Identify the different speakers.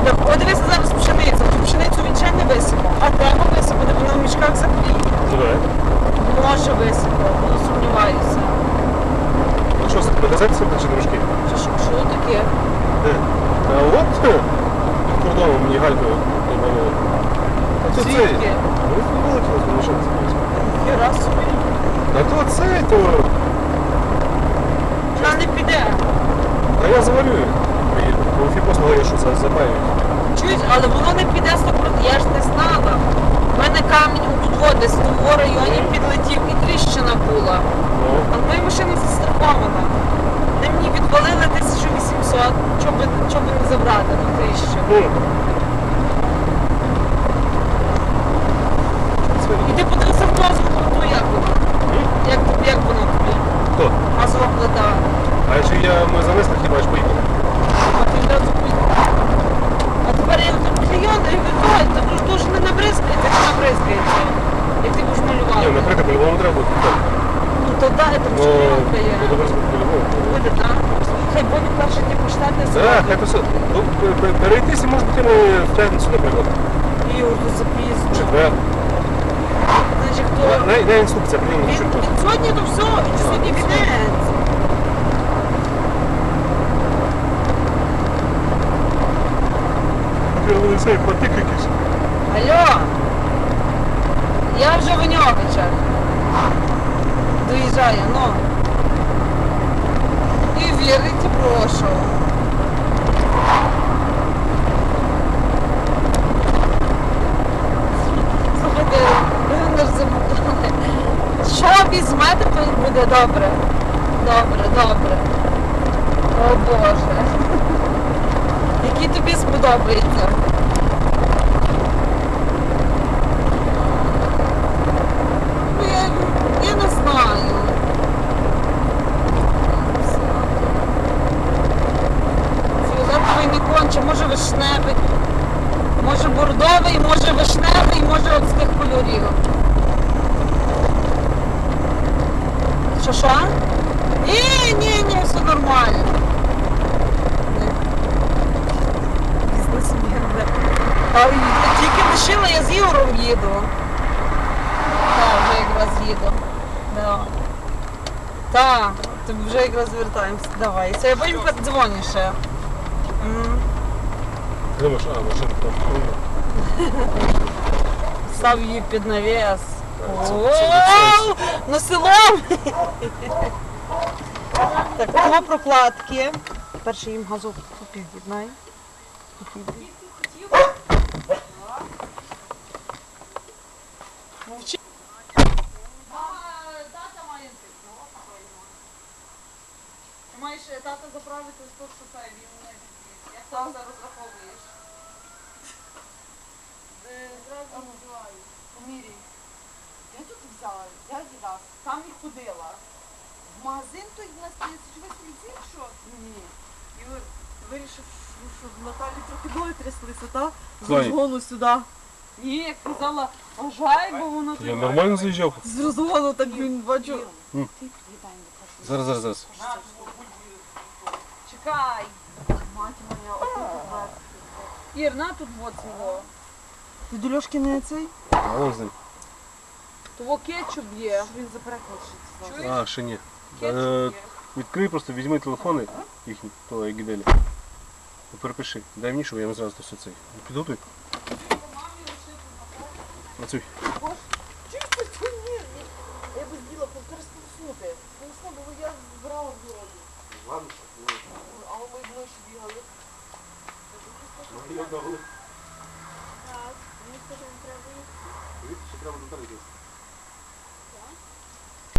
Speaker 1: Подивися зараз пшеницю. Ту пшеницю він ще не висипав. А треба висипати, бо вона в мішках закліє.
Speaker 2: Ну давай.
Speaker 1: Може висипав, ну сумніваюся.
Speaker 2: Ну що, дозепися чи трошки?
Speaker 1: Що таке?
Speaker 2: А от під кордоном мені галькою добавили. А то цей.
Speaker 1: Звідки?
Speaker 2: Ну, вилетіло з машини.
Speaker 1: Хіра собі.
Speaker 2: А то цей, то...
Speaker 1: Вона не піде.
Speaker 2: А я завалюю. Бо фіпос говорить, що забавить.
Speaker 1: Чуєш, але воно не піде 100%, я ж не знала. У мене камінь тут десь в тому районі підлетів і тріщина була. А моя машина застрахована. Вони мені відвалили 1800, щоб не забрати ту тріщину. І ти подивився в дозволу, ну як воно? Як воно тобі?
Speaker 2: Хто?
Speaker 1: Газова плита.
Speaker 2: А якщо ми занесли, хіба ж поїхали?
Speaker 1: А ти одразу поїхав. А тепер я тут клейони і виходить, там ж дуже не набризкається, чи набризкається. Як ти будеш малювати.
Speaker 2: Ні, накрити по-любому треба буде.
Speaker 1: Ну то да, там
Speaker 2: Ну,
Speaker 1: чоловіка є.
Speaker 2: ну, добре, по-любому.
Speaker 1: Буде, так? Хай Бобі перше ті поштати
Speaker 2: Так, хай то все. Ну, перейтися, може бути, ми втягнемося, наприклад.
Speaker 1: Ігор, тут запізно.
Speaker 2: Четвер.
Speaker 1: Значить, хто...
Speaker 2: На інструкція, блін,
Speaker 1: Він
Speaker 2: що
Speaker 1: сьогодні то все, він сьогодні відеться.
Speaker 2: цей потик якийсь.
Speaker 1: Алло, я вже в Ньовичах. Доїжджаю, ну. І вірите, прошу. Слухайте, ви не забудали. Що візьмете, то буде добре. Добре, добре. О Боже. Який тобі сподобається? Ну, я не знаю. Фіолетовий не конче, може вишневий, може бордовий, може вишневий, може от з тих кольорів. Що? Ні, все нормально. А тільки лишила, я з Ігорем їду. Так, вже якраз їду. Да. Так, то вже якраз вертаємося. Давай. Це я потім подзвоню ще.
Speaker 2: Думаєш, машина там.
Speaker 1: Став її під навіс. На село! Так, кого прокладки. Перше їм газу під'єднай. Мовчи. Тата має ти маєш тата заправити 100 шофе, він не відб'є. Як там зараз розраховуєш? Зразу називаю. Поміряй. Я тут взяла, я раз. Там і ходила. В магазин той на стрічовий ліцей, що? Ні. Ігор, вирішив, що в Наталі трохи ноги тряслися, так? З розгону сюди. Ні, як казала, ажай, бо воно
Speaker 2: Я нормально заїжджав?
Speaker 1: з розгону, так він бачу.
Speaker 2: Зараз.
Speaker 1: Чекай. Мать моя, отут. Ір, на тут вот його. Ти до Льошки не цей?
Speaker 2: А вон з ним.
Speaker 1: Того кетчуп є. Він запрекнувши.
Speaker 2: А, ще ні.
Speaker 1: Кетчуп є.
Speaker 2: Відкрий просто, візьми телефони їхні, то як гіделі. Перепиши. Дай мені, щоб я йому зразу все цей. Підготуй. Працюй.
Speaker 1: Чисто ні. Я би зділа пересполоснути. Сполосну, бо я збирала в дорогу.
Speaker 2: Ладно.
Speaker 1: А ми ближче бігали.
Speaker 2: Ну, я дав.
Speaker 3: Так, мені скажи, не треба їсти.
Speaker 2: Дивіться, що треба до тебе.